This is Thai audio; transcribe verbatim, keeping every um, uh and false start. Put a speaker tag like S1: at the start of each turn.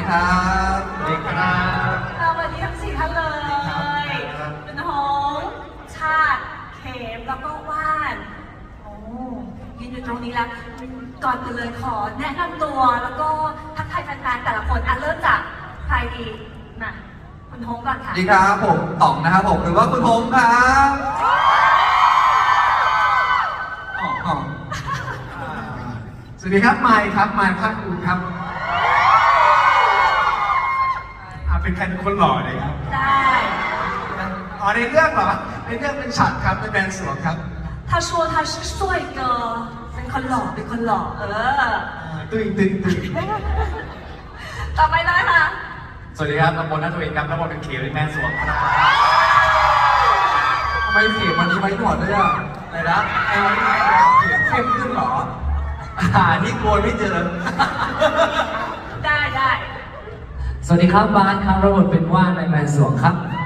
S1: ครับสวัสดีครับ
S2: สวัสดีทั้งสี่ท่านเลยเป็นหงส์ชาติเขมแล้วก็ว่านโอ้ยืนอยู่ตรงนี้แล้วก่อนอื่นเลยขอแนะนำตัวแล้วก็ทักทายแฟนๆแต่ละคนอ่ะเริ่มจากใครดีมาคุณหงส์ก่อน
S1: ส
S2: ค่ะ
S1: วัสดีครับผมต๋องนะครับผมหรือว่าคุณพงษ์ครับอ๋ออ๋อสวัสดีครับไมค์ครับไมค์ภาคภูมิครับอ่าเป็นใครเป็นคนหล่อเลยครับ
S2: ได้
S1: อ๋อในเรื่องเหรอในเรื่องเป็นฉัดครับเป็นแมนสวงครับ
S2: 他说他是帅哥เป็นคนหล่อเป็นคนหล่อเออ
S1: ตึงตึงตึง
S2: ต่อไปเลยค่ะ
S3: สวัสดีครับตำบลนัทวินครับตำบลเป็นเขียวในแม่สวงครับ
S1: ทำไมเสียงวันนี้ไว้หนวดด้วยอ่ะอะไรนะไอ้วันนี้เสียงเข้มขึ้นเหรออ่านี่กลัวไม่เจอ
S2: ได้ได้
S4: สวัสดีครับบาสครับระบบเป็นว่านในแมนสวงครับ